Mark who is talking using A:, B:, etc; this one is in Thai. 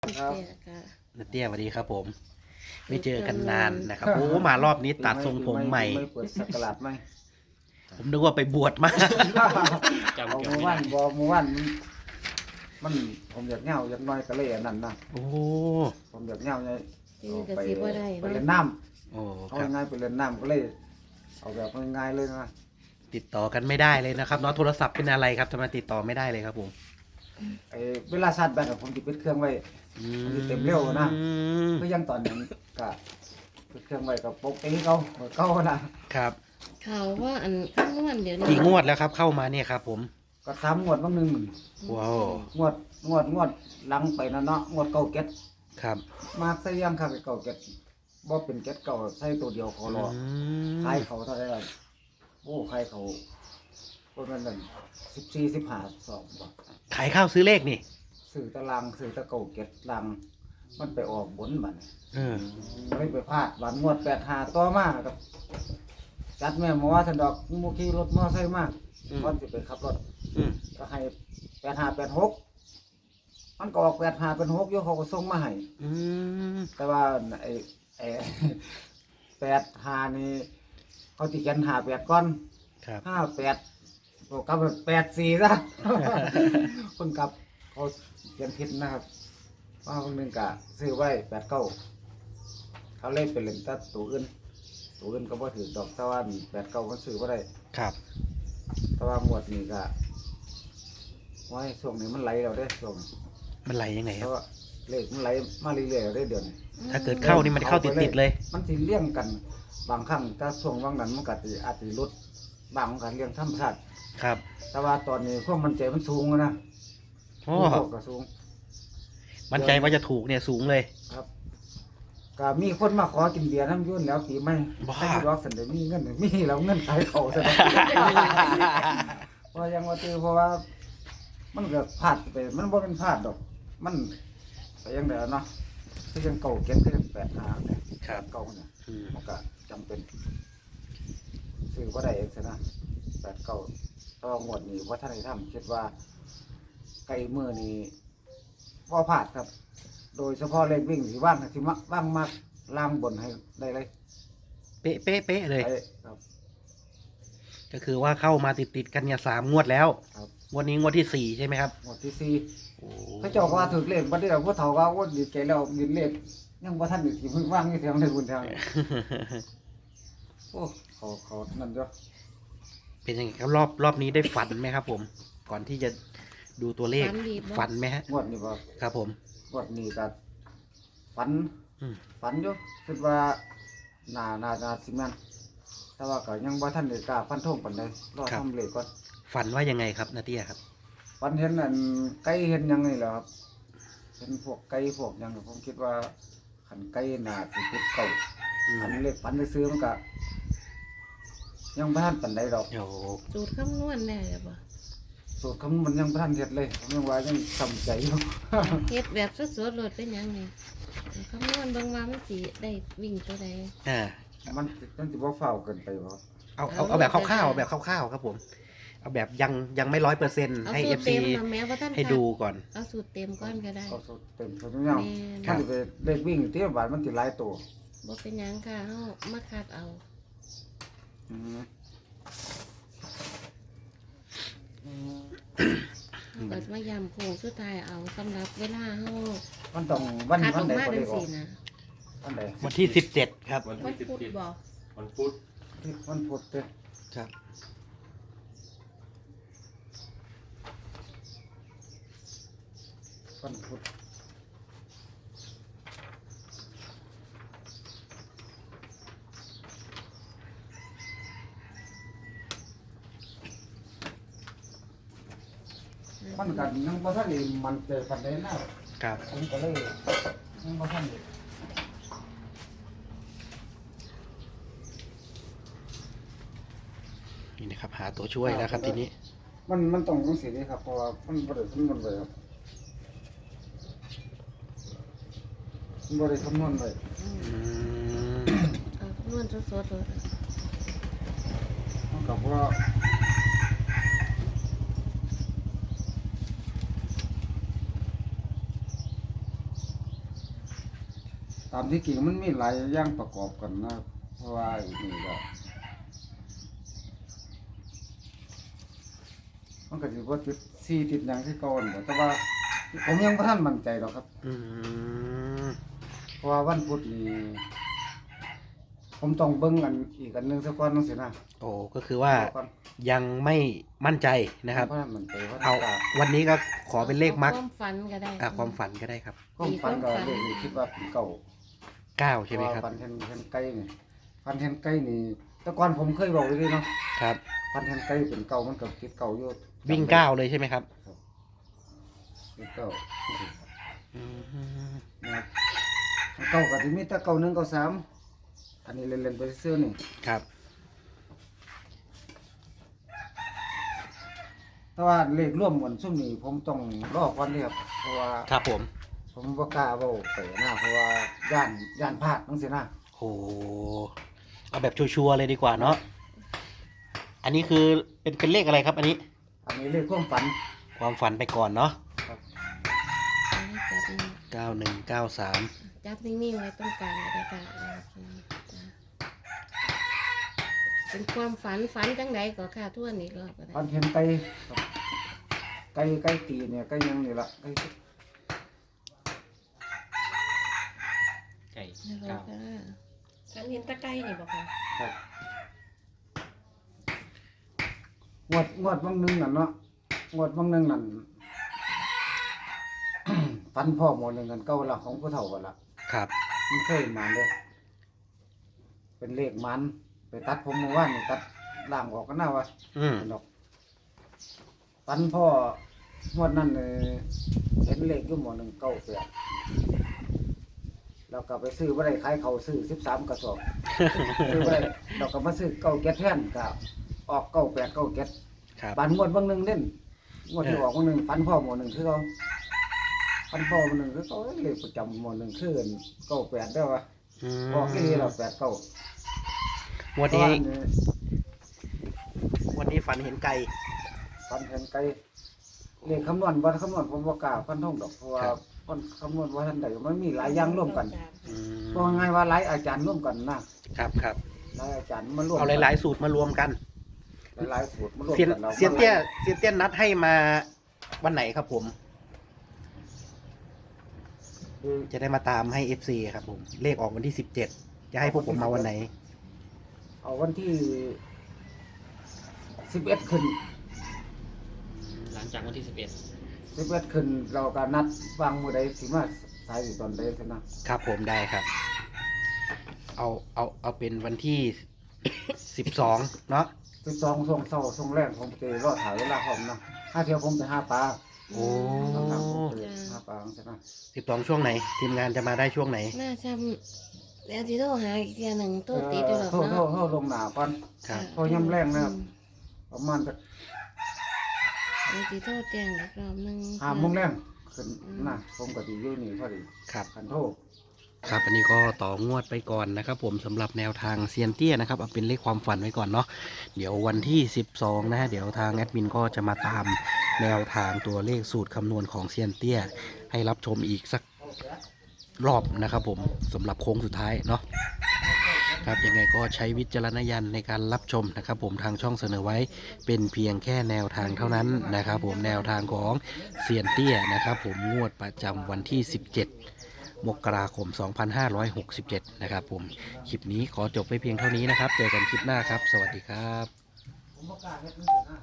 A: ครับ
B: เตี้ยค่ะ
C: นาเตี้ยสวัสดีครับผม ไม่เจอกันนานนะครับโอ้มารอบนี้ตัดทรงผมใหม่
A: ไม่เปิดสักราชไหม
C: ผมนึกว่าไปบวชมา
A: เอาเมื่อวานมันผมอยากเหงาอยากน้อยก็เลยอันนั้นนะ
C: โอ้
A: ผมอยากเหงาไง
B: จริงก็สิบ่ได้
A: ไป
B: เนาะ
A: เล่นน้
C: โอ้
A: ำเอา
C: ครับ
A: ง่ายๆไปเล่นน้ำก็เลย เอาแบบง่ายๆเลยนะ
C: ติดต่อกันไม่ได้เลยนะครับเนาะโทรศัพท์เป็นอะไรครับทำไมติดต่อไม่ได้เลยครับผม
A: ไอ้เวลาชาร์จแบตอะผมจะปิดเครื่องไว้ มันจะเต็มเร็วนะ
C: อืม
A: ก็ยังตอนนั้นก็ปิดเครื่องไว้กับปกติเขานะครับ
B: ข่าวว่าอันคำนวณเดี๋ยวนี้
C: กี่งวดแล้วครับเข้ามาเนี่ยครับผม
A: ก็ซ้ำงวดบางหนึ่ง
C: ว้าว
A: งวดหลังไปนะเนาะงวดเก่าเก็ต
C: ครับ
A: มากใส่ยังครับเก่าเก็ตบ่เป็นเก็ตเก่าใส่ตัวเดียวขอรอ
C: ม
A: ขายเขาเท่าไหร่ล่ะโอ้ขายเขาคนนั้นนั่น14-15 2บ่
C: ขายข้าวซื้อเลขนี่
A: ซื้อตารางซื้อตะเก่าเก็ตลังมันไปออกบนบัดนี้
C: เออ
A: เลยไปพลาดบานงวด85ต่อมาครับจัดแม่หมอสันดอกมูขี่รถมอไซค์มาก่อนสิไปขับรถ
C: อืม
A: ก็ให้8586มันก็ออก8586อยู่เขาก็ส่งมาให้
C: อืม
A: แต่ว่าไอ้ 85นี่เขาสิเขียน58ก่อน
C: ครับ
A: 58โอ้กลับ84ซะ คนกลับเขาเขียนผิดนะครับว่าคนหนึงก็ซื้อไว้89เขาเลยไปเล่นตัดตัวอื่นก็บ่ถือดอกแต่ว่า89มันซื้อบ่ได้
C: ครับ
A: แต่ว่าหมวดนี้ก็ไว้ช่วงนี้มันไหลแล้วเด้ช่วงนี้
C: มันไหลยังไง
A: เพ
C: ครับ
A: ราะว่าเลขมันไหลมาเรื่อยๆแล้วเด้เดี๋ยวนี้
C: ถ้าเกิดเข้านี่มันเข้าติดๆเลย
A: มันสิเลี่ยงกันบางครั้งถ้าช่วงว่างนั้นมันก็สิอาจสิลดบางกันเลี่ยงธรรมชาติ
C: ครับ
A: แต่ว่าตอนนี้ความมั่นใจมันสูงนะ
C: โอ้
A: พวกก็สูง
C: มั่นใจว่าจะถูกเนี่ยสูงเลย
A: ครับก็มีคนมาขอกินเบียร์น้ำยุ่นแล้วปีใหม่
C: บ้า
A: ให้รอกสันเดมีเงินมีแล้วเงินขายเขาซะแล้ว เพราะยังว่าตือเพราะว่า มันก็พลาดไปมันบ่เป็นพลาดดอก มันไปยังไดเนาะคือยังเก่าเก็บคือยัง85เนี่ย
C: ครับ
A: เก่าเนี่ย
C: อืม
A: มันก็จำเป็นซื้อบ่ได้เองซะนะ89ต้องงวดนี้ว่าท่านได้ทำคิดว่าไก่มือนี้บ่พลาดครับ โดยเฉพาะเลขวิ่งสิว่างสิมักว่างมากล่างบนให้ได้เลย
C: เป๊ะเป๊ะเป๊ะเลย
A: ไอ้ครับ
C: ก็คือว่าเข้ามาติดกันเนี่ย3 งวดแล้ว
A: ครับ
C: งวดนี้งวดที่ 4 ใช่ไหมครับ
A: งวดที่สี่
C: โอ้
A: เขาเจ้าก็ว่าถูกเลขบ่ได้เอาผู้เฒ่าว่าโอ้ดีใจแล้วยินเลขยังบ่ทันได้สิเพิ่งว่างอยู่แถวในบุญทางโอ้เขานั่นจ้ะ
C: เป็นยังไงครับรอบนี้ได้ฝันไหมครับ ผม ก่อนที่จะดูตัวเลข
B: ฝันดีบ่
C: ฝันไหมฮะ
A: งวดนี้บ่
C: ครับผม
A: งวดนี้ก็ฝัน
C: อืม
A: ฝันอยู่คิดว่าน่าสิแม่นแต่ว่าก็ยังบ่ทันได้กล้าฟันธงปานใดรอทำเลขก่อน
C: ฝันว่ายังไงครับนาเตี้ยครับ
A: ฝันเห็นอันไก่เห็นหยังนี่แหละครับเห็นพวกไก่พวกหยังผมคิดว่าคันไก่น่าสิติดเก่า
C: อืม
A: อันเลขฝันไปซื้อมันก็ยังบ่ทันปานใดดอก
C: โอ้โห
B: สูตรคำนวณได้หรือบ่
A: สูตรคำมันยังบ่ทันเฮ็ดเลยผมยังว่ายังซ้ำใจอยู่
B: เฮ็ดแบบสดๆโลดเป็นหยังนี่คำนวณเบิ่งว่ามันสิได้วิ่งตัวใด
C: อ่า
A: มันสิบ่เฝ้าวเกินไปบ่
C: เอาแบบคร่าวๆแบบคร่าวๆครับผม เอาแบบยังไม่100%
B: เอา
C: ให้
B: สูตร
C: FC
B: เต็มมาแม้ว่าท่าน
C: ให้ดูก่อน
B: เอาสูตรเต็มก่อนก็ได้
A: เอาสูตรเต็มสูตรยาว
B: แม่น
C: ครั
A: มัน
C: บ
A: สิไปเลขวิ่งที่บาทมันสิหลายตัว
B: บ่เป็นหยังค่ะเฮามาคัดเอา
A: อืม
B: เฮาก็มายำโค้งสุดท้ายเอาสำหรับเวลาเฮา
A: มันต้องวัน
B: คัดอ
A: วั
B: อน ก
A: ใด
B: มา
A: บ่
B: จั
A: ได้
B: ง
A: ออก
B: ซี่นะ
A: วันใด
C: วันที่17ครับ
B: วันพุธบ่
D: วันพุธ
A: วันพุธเด้อ
C: ครับ
A: วันพุธมันก็ยังบ่ทันได้มันใจปานใดนะครับ ผมก็เลยยังบ่ทันได้
C: นี่นะครับ หาตัวช่วยแล้วครับทีนี้
A: มันต้องจังซี่นี่ครับเพราะว่ามันบ่ได้คำนวณไว้ครับมันบ่ได้คำนวณไว้
B: อืม
C: อืม
B: เอาคำนวณสดๆโลด
A: มันก็บ่ตามที่จริงมันมีหลายอย่างประกอบกันนะเพราะว่าอีกนี่ก็มันก็สิบ่ติด4ติดหยังคือเก่านั่นแหละแต่ว่าผมยังบ่ทันมั่นใจหรอกครับ
C: อืม
A: เพราะว่าวันพุธนี่ผมต้องเบิ่งอันอีกอันหนึงซะก่อนจังซี่นะ
C: โอ้ก็คือว่า
A: ก่อน
C: ยังไม่มั่นใจนะครับ
A: ผมบ่ทันมั่นใจว่า
C: เอา
A: จะ
C: วันนี้ก็ขอเป็นเลขมัก
B: ความฝันก็ได้
C: ความฝันก็ได้ครับ
A: ความฝันก็เลขนี่คิดว่าเป็นเก่า
C: 9ใช่ไหมครับ
A: เพาะว่าฝันเห็นไก่นี่ฝันเห็นไก่นี่แต่ก่อนผมเคยบอกไว้ด้วยเนาะ
C: ครับ
A: ฝันเห็นไก่เป็นเก่ามันก็คิดเก่าอยู่
C: วิ่ง9เลยใช่ไหมครับ
A: เป็นเก่า
C: อืม
A: นะครับเก่าก็สิมีแต่เก่า1เก่า3อันนี้เล่นๆไปซื่อๆนี่
C: ครับ
A: แต่ว่าเลขร่วมหมดซุ่มนี้ผมต้องรอก่อนเด้ครับเพราะว่า
C: ครับผม
A: ผมบ่กล้าเว้าไปนะเพราะว่าย่านพลาดจังซี่นะ
C: โอ้เอาแบบชัวร์ๆเลยดีกว่าเนาะอันนี้คือเป็นเลขอะไรครับ อันนี้
A: อันนี้เลขความฝัน
C: ความฝันไปก่อนเนาะ
A: ครับ
C: 9193
B: จับนิ่งๆไว้ตรงกลางก็ได้ค่ะโอเคจ้ะเป็นความฝันจังไดก็ค่ะทวนอีกรอบก็ได้
A: ฝันเห็นไก่ครับไก่ตีเนี่ยไก่ยังนี่ล่ะไก่
C: ไก่
B: แล้วก็
D: ฉันเห็นตะไคร้นี่บอกค่ะ
A: ครับงวดบางหนึงนั่นเนาะงวดบางหนึงนั่น ฝันพ่อหมดหนึงกันเก่าละของผู้เฒ่ากันละ
C: ครับ
A: มันเคยมาเลยเป็นเลขมันไปตัดผมเมื่อวานนี่ตัดล่างออกก็น่าวะ
C: อืม
A: เป็นดอกฝันพ่องวดนั้นเห็นเลขอยู่หมอหนึ่งเก้าแปดเราก็ไปซื้อบ่ได้ขายเขาซื้อ13กระสอบ ซื้อบ่ได้เราก็มาซื้อเก้าแก๊สแทนก็ออก98 9แก๊ส
C: ครับ
A: บานงวดบางหนึงเล่นงวดที่ออกบางหนึงฝันพ่อหมอหนึ่งคือเขาฝันพ่อหมอหนึ่งคือเขาเลขประจำหมอหนึ่งคือ98ได้อวะ
C: อืม
A: ออกที่นี่เรา89
C: วันนี้ฝันเห็นไก่
A: ฝันเห็นไก่เลขคำนวณบ่คำนวณผมบ่กล้าฟันธงดอกเพราะว่าคนคำนวณว่าทันใดมันมีหลายอย่างร่วมกัน
C: อืม
A: บอกง่ายๆว่าหลายอาจารย์ร่วมกันนะครับ
C: ครับ
A: หลายอาจารย์มาร่วม
C: เอาหลายๆสูตรมารวมกัน
A: หลายๆสูตรมาร่วม
C: เซียน
A: กันแล้ว
C: เซียนเตี้ยนัดให้มาวันไหนครับผม
A: คือ
C: จะได้มาตามให้ FC ครับผม เลขออกวันที่ 17 จะให้พวกผมมาวันไหน
A: เอาวันที่11ขึ้น
E: หลังจากวันที่
A: 11ขึ้นเราก็นัดวางมื้อใดสิมาสายอยู่ตอนใดซั่นนะครับ
C: ผมได้ครับ เอาเป็นวันที่ 12 เนาะ
A: 12ช่วงเช้าช่วงแรกผมจะรอถ่ายเวลาพร้อมนะถ้าเที่ยวผมไปหาปลา
C: โอ้
A: ครับผมไปหาปลาจังซี่นะ
C: 12 ช่วงไหน ทีมงานจะมาได้ช่วงไหน
B: น่าจำแล้วที่โทรหาอีกเทียหนึ่งตัวติดอยู่หรอก
A: โทร
B: เนาะ
A: ลงหน้าก่อน
C: ครับ
A: โทรย่ำแรงนะครับ ประมาณสัก
B: แล้วที่โทรแจ้งอีกรอบหนึง
A: 5โมงแรงขึ้นนะผมก็สิอยู่นี่พอดี
C: ครับ
A: คันโทร
C: ครับ อันนี้ก็ต่องวดไปก่อนนะครับผมสำหรับแนวทางเซียนเตี้ยนะครับเอาเป็นเลขความฝันไว้ก่อนเนาะเดี๋ยววันที่ 12 นะฮะเดี๋ยวทางแอดมินก็จะมาตามแนวทางตัวเลขสูตรคำนวณของเซียนเตี้ยให้รับชมอีกสักรอบนะครับผมสำหรับโค้งสุดท้ายเนาะครับยังไงก็ใช้วิจารณญาณในการรับชมนะครับผมทางช่องเสนอไว้เป็นเพียงแค่แนวทางเท่านั้นนะครับผมแนวทางของเซียนเตี้ยนะครับผมงวดประจำวันที่ 17 มกราคม 2567 นะครับผม คลิปนี้ขอจบไว้เพียงเท่านี้นะครับ เจอกันคลิปหน้าครับ สวัสดีครับ
A: ผมบ่กล้าเฮ็ดจังซี่นะ